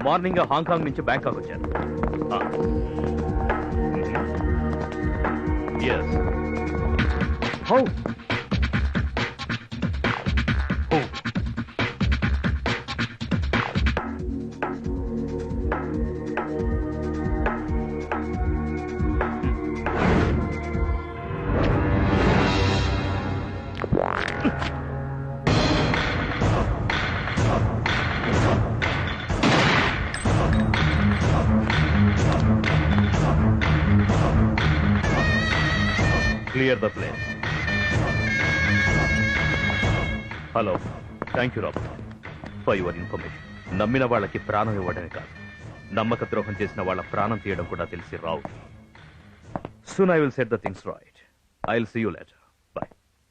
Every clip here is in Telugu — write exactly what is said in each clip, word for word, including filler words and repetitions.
మార్నింగ్ హాంకాంగ్ నుంచి బ్యాంకాక్ వచ్చారు. Yes. How Clear the place. Hello. Thank you, Robert, for your information. నమ్మిన వాళ్ళకి ప్రాణం ఇవ్వడమే కాదు, నమ్మక ద్రోహం చేసిన వాళ్ళ ప్రాణం తీయడం కూడా తెలిసి రావు. Soon I will set the things right. I'll see you later. Bye.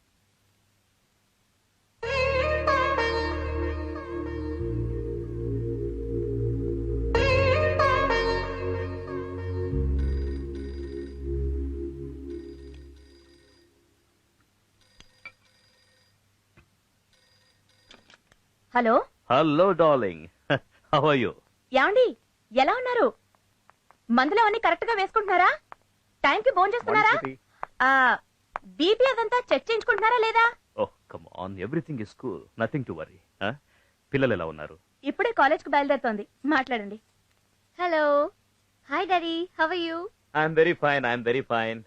Hello. Hello darling, how are you? యాండి, ఎలా ఉన్నారు? మందులు అవన్నీ కరెక్ట్ గా వేసుకుంటున్నారా? టైం కి భోజనం చేస్తున్నారా? బీపీ అదంతా చెక్ చేయించుకుంటున్నారా లేదా? Oh come on, everything is cool, nothing to worry. పిల్లలు ఎలా ఉన్నారు? ఇప్పుడే కాలేజ్ కు బయలుదేరుతోంది, మాట్లాడండి. Hello. Hi daddy, how are you? I'm very fine, I'm very fine.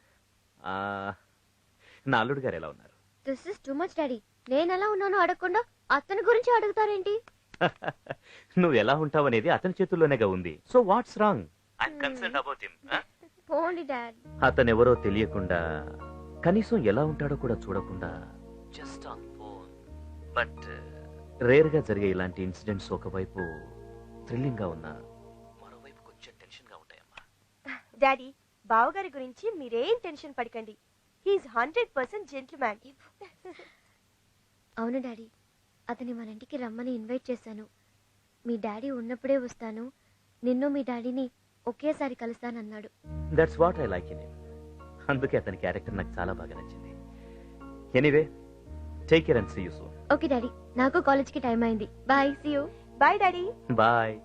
నా అల్లుడు గారు ఎలా ఉన్నారు? This is too much daddy. నేను ఎలా ఉన్నానో అడగకుండా అతని గురించి అడుగుతారేంటి? నువ్వు ఎలా ఉంటావు అనేది అతని చేతుల్లోనేగా ఉంది. So what's wrong? I am concerned about him. పోండి డాడ్. అతను ఎవరో తెలియకుండా, కనీసం ఎలా ఉంటాడో కూడా చూడకుండా, just on phone. But rare గా జరిగే ఇలాంటి ఇన్సిడెంట్స్ ఒకవైపు థ్రిల్లింగ్ గా ఉన్నా, మరోవైపు కొంచెం టెన్షన్ గా ఉంటాయమ్మా. డాడీ, బావగారి గురించి మీరేం టెన్షన్ పడకండి. He's hundred percent gentleman. అవును డాడీ, అతని మన ఇంటికి రమ్మని ఇన్వైట్ చేశాను. మీ డాడీ ఉన్నప్పుడే వస్తాను, నిన్ను మీ డాడీని ఒకేసారి కలుస్తానన్నాడు. That's what I like in him. అందుకే అతని క్యారెక్టర్ నాకు చాలా బాగా నచ్చింది. Anyway, take care and see you soon. Okay daddy, నాకు కాలేజ్ కి టైం అయింది. Bye, see you. Bye daddy. Bye.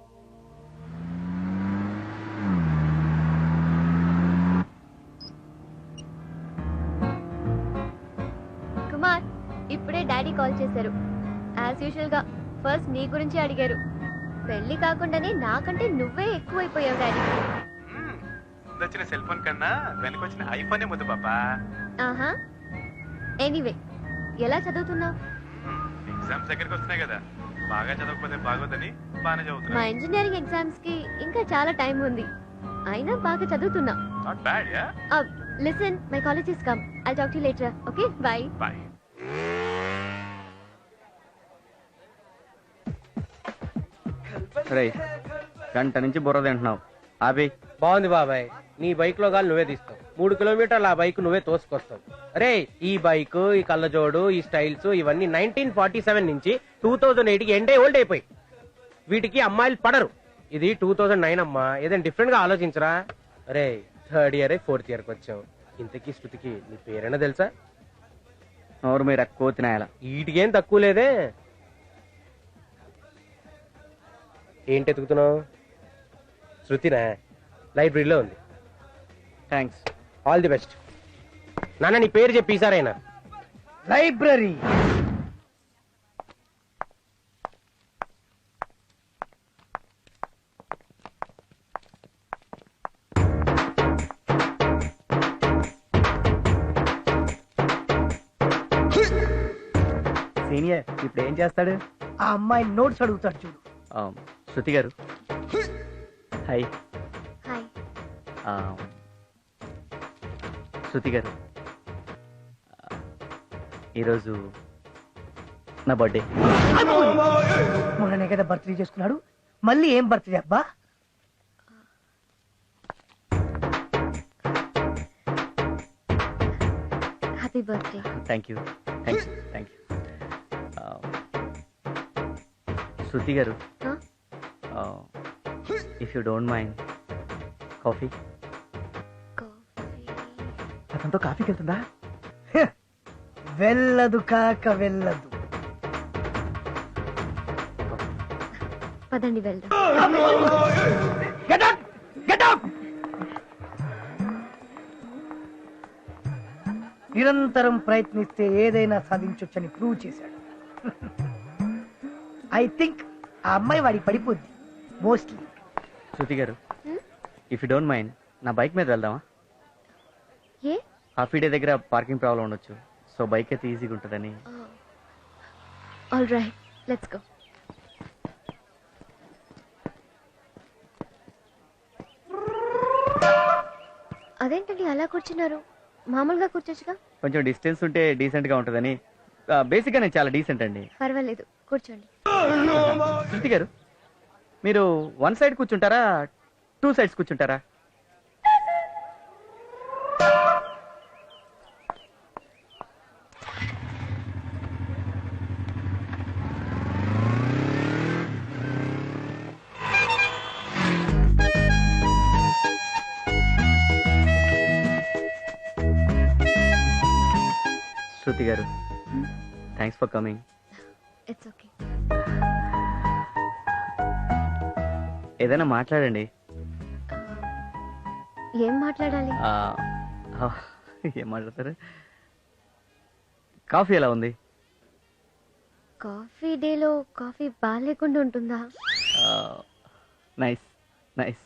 Kumar, ఇప్పుడే డాడీ కాల్ చేశారు. యాజ్ యూజువల్ గా ఫస్ట్ నీ గురించి అడిగారు. పెళ్లి కాకుండానే నాకంటే నువ్వే ఎక్కువైపోయావు డాడీ. వచ్చిన సెల్ ఫోన్ కన్నా వెనకొచ్చిన ఐఫోనే ముద్దు పాపా. ఆహా. ఎనీవే, ఎలా చదువుతున్నావు? ఎగ్జామ్స్ దగ్గరికి వస్తున్నాయి కదా, బాగా చదవకపోతే బాగోదని బాగానే మా చదువుతున్నా. ఇంజనీరింగ్ ఎగ్జామ్స్ కి ఇంకా చాలా టైం ఉంది, అయినా బాగా చదువుతున్నా. Not bad ya. Listen, my college is come. I talk to you later. Okay, bye. Bye. రే, గంట నుంచి బుర్ర తింటున్నావు. ఆపి. బాగుంది బాబాయ్, నీ బైక్ లో గాలి నువ్వే తీస్తావు. మూడు కిలోమీటర్ల ఆ బైక్ నువ్వే తోసుకొస్తావు. రే, ఈ బైక్, ఈ కళ్ళజోడు, ఈ స్టైల్స్ ఇవన్నీ నైన్టీన్ ఫార్టీ సెవెన్ నుంచి టూ థౌజండ్ ఎయిట్ కి ఎండే ఓల్డ్ అయిపోయి. వీటికి అమ్మాయిలు పడరు. ఇది టూ థౌజండ్ నైన్ అమ్మా, ఏదైనా డిఫరెంట్ గా ఆలోచించరా. రే, థర్డ్ ఇయర్ ఫోర్త్ ఇయర్ కి వచ్చావు. ఇంతకీ శృతికి నీ పేరైనా తెలుసా? నోరు మీరు ఎక్కువ తినాయాల. వీటికేం తక్కువ లేదే. ఏంటి ఎతుకుతున్నావు? శృతినా? లైబ్రరీలో ఉంది. థ్యాంక్స్. All the best. నాన్న, నీ పేరు చెప్పి ఈసారైనా. లైబ్రరీ. సీనియర్ ఇప్పుడు ఏం చేస్తాడు? ఆ అమ్మాయి నోట్స్ అడుగుతాడు చూడు. శృతి గారు, హాయ్. హాయ్. శృతి గారు, ఈరోజు నా బర్త్డే. మొన్ననే కదా బర్త్డే చేసుకున్నాడు, మళ్ళీ ఏం బర్త్డే అబ్బా? Happy birthday. Thank you thank you thank you. Shruti garu, if you don't mind, coffee. అతనితో కాఫీకి వెళ్తుందా? వెళ్ళదు కాక వెళ్ళదు. పద. పదండి వెళ్దాం. Get out! Get out! నిరంతరం ప్రయత్నిస్తే ఏదైనా సాధించొచ్చని ప్రూవ్ చేశాడు. ఐ థింక్ ఆ అమ్మాయి వాడికి పడిపోద్ది mostly. Shruti garu, if you don't mind నా బైక్ మీద వెళ్దామా? ఏ? హాఫీ డే దగ్గర పార్కింగ్ ప్రాబ్లం ఉండొచ్చు, సో బైక్ అయితే ఈజీగా ఉంటుందని. All right, let's go. అదేంటండి అలా కూర్చున్నారు? మామూలుగా కూర్చోచ్చుగా. కొంచెం డిస్టెన్స్ ఉంటే డీసెంట్ గా ఉంటుందని. బేసిక్ గా నేను చాలా డీసెంట్ అండి. పర్వాలేదు, కూర్చోండి. శృతి గారు, మీరు వన్ సైడ్ కూర్చుంటారా, టూ సైడ్స్ కూర్చుంటారా? Shruti garu, thanks for coming. It's okay. ఏదైనా మాట్లాడండి. ఏం మాట్లాడాలి? ఆ, ఆ, ఏం మాట్లాడతారు? కాఫీ ఎలా ఉంది? కాఫీ డేలో కాఫీ బాగాలేకుండా ఉంటుందా? Nice nice.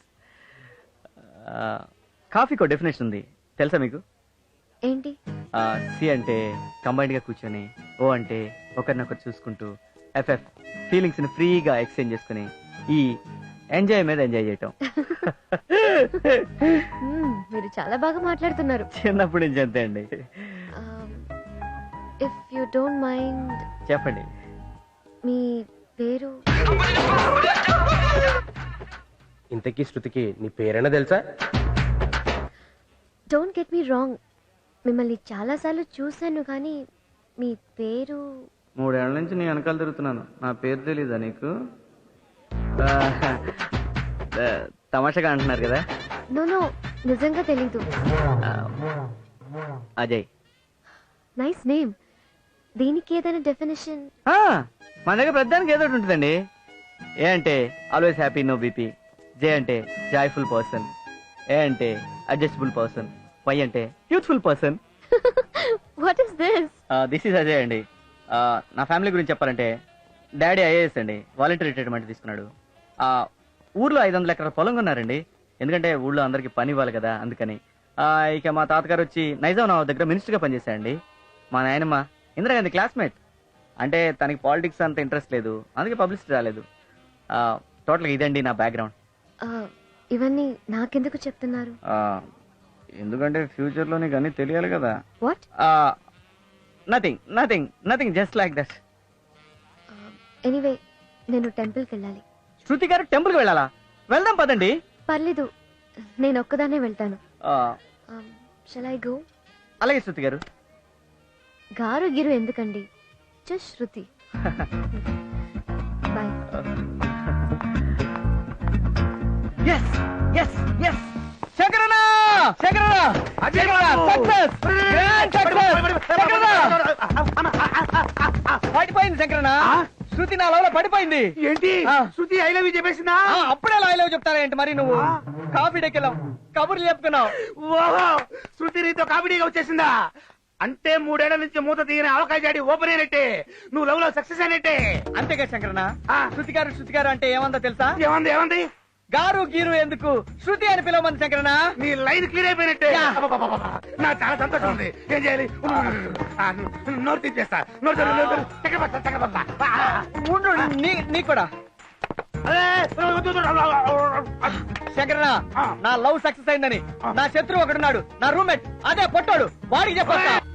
కాఫీకో డెఫినేషన్ ఉంది, తెలుసా మీకు? ఏంటి? సి అంటే కంబైన్డ్ గా కూర్చొని, ఓ అంటే ఒకరినొకరు చూసుకుంటూ, ఎఫ్ఎఫ్ ఫీలింగ్స్ ని ఫ్రీగా ఎక్స్చేంజ్ చేసుకుని, ఈ ఎంజాయ్ మీద ఎంజాయ్ చేయటం. మ్మ్, మీరు చాలా బాగా మాట్లాడుతున్నారు. చిన్నప్పటి నుంచి అంతే అండి. ఇఫ్ యూ డోంట్ మైండ్ చెప్పండి. మీ పేరు? ఇంతకీ శృతికి నీ పేరైనా తెలుసా? డోంట్ గెట్ మీ రాంగ్, మిమ్మల్ని చాలా సార్లు చూశాను కానీ మీ పేరు? మూడేళ్ల నుంచి నీ వెనకాల తిరుగుతున్నాను, నా పేరు తెలీదా నీకు? ఆ, ఆ, తమాషాగా అంటున్నారు కదా. నో నో, నిజంగా తెలీదు. ఆ, అజయ్. Nice name. దీనికి ఏదైనా డెఫినేషన్? ఆ, మన దగ్గర ప్రతిదానికి ఏదో ఒకటి ఉంటుందండి. ఏ అంటే always happy, no BP. J అంటే జాయ్ఫుల్ పర్సన్. ఏ అంటే అడ్జస్టబుల్ పర్సన్. వై అంటే youthful person. What is this? This is Ajay అండి. ఆ, నా ఫ్యామిలీ గురించి చెప్పాలంటే డాడీ ఐఏఎస్ అండి, వాలంటీర్ రిటైర్మెంట్ తీసుకున్నాడు. ఆ, ఊర్లో ఐదు వందల ఎకరాల పొలం కొన్నారండి, ఎందుకంటే ఊళ్ళో అందరికి పని ఇవ్వాలి కదా అందుకని. ఆ, ఇక మా తాతగారు వచ్చి నైజాం నవాబ్ దగ్గర మినిస్టర్గా పనిచేశారండి. మా నాయనమ్మ ఇందిరాగాంధీ క్లాస్మేట్, అంటే తనకి పాలిటిక్స్ అంత ఇంట్రెస్ట్ లేదు, అందుకే పబ్లిసిటీ రాలేదు. టోటల్గా ఇదండి నా బ్యాక్గ్రౌండ్. ఇవన్నీ నాకెందుకు చెప్తున్నారు? ఎందుకంటే ఫ్యూచర్ లో నీకు అన్ని తెలియాలి కదా. What? Nothing nothing nothing just like that. Anyway, నేను టెంపుల్కి వెళ్ళాలి. శృతి గారు టెంపుల్కి వెళ్ళాలా? వెళ్దాం పదండి. పర్లేదు, నేను ఒక్కదానే వెళ్తాను. Shall I go? అలాగే శృతి గారు. గారు గిరు ఎందుకండి, just Shruti. Bye. Yes yes yes శంకరన్న శంకరన్న సక్సెస్, గ్రాండ్ సక్సెస్. పడిపోయింది శంకరన్న, శృతి నా లవ్ లో పడిపోయింది. ఏంటి? ఆ. శృతి ఐ లవ్ యూ చెప్పేసిందా? ఆ, అప్పుడే లవ్ లవ్ చెప్తారా ఏంటి మరి నువ్వు? కాఫీ డెక్కెళ్ళాం, కబుర్లు చెప్పుకున్నావు. ఓహో, శృతి నీతో కామెడీగా వచ్చేసిందా? అంటే మూడేళ్ల నుంచి మూత తీయని అవకాశ జాడి ఓపెన్ అయినట్టే, నువ్వు లవ్ లో సక్సెస్ అయినట్టే. అంతేగా శంకరన్న. ఆ. శృతి గారు శృతి గారు అంటే ఏమందో తెలుసా? ఏమంది ఏమంది? గారు గీరు ఎందుకు, శృతి అని పిలవమంది శంకరన్న. నీ లైన్ క్లియర్ అయిపోయినట్టే. యా. అబ్బబ్బబ్బబ్బ. నాకు చాలా సంతోషం ఉంది. ఏం చేయాలి? ఆ, నోరు తీసేస్తా. నోరు తెరు, నోరు తెరు. చక్కెర పడతా, చక్కెర పడతా. ఆ. ఉండు, నీ నీ కూడా అరే, వద్దు, వద్దు, వద్దు. శంకరన్న, ఆ. నా లవ్ సక్సెస్ అయిందని నా శత్రువు ఒకడున్నాడు, నా రూమ్మేట్, అదే పొట్టాడు, వాడికి చెప్పొస్తా.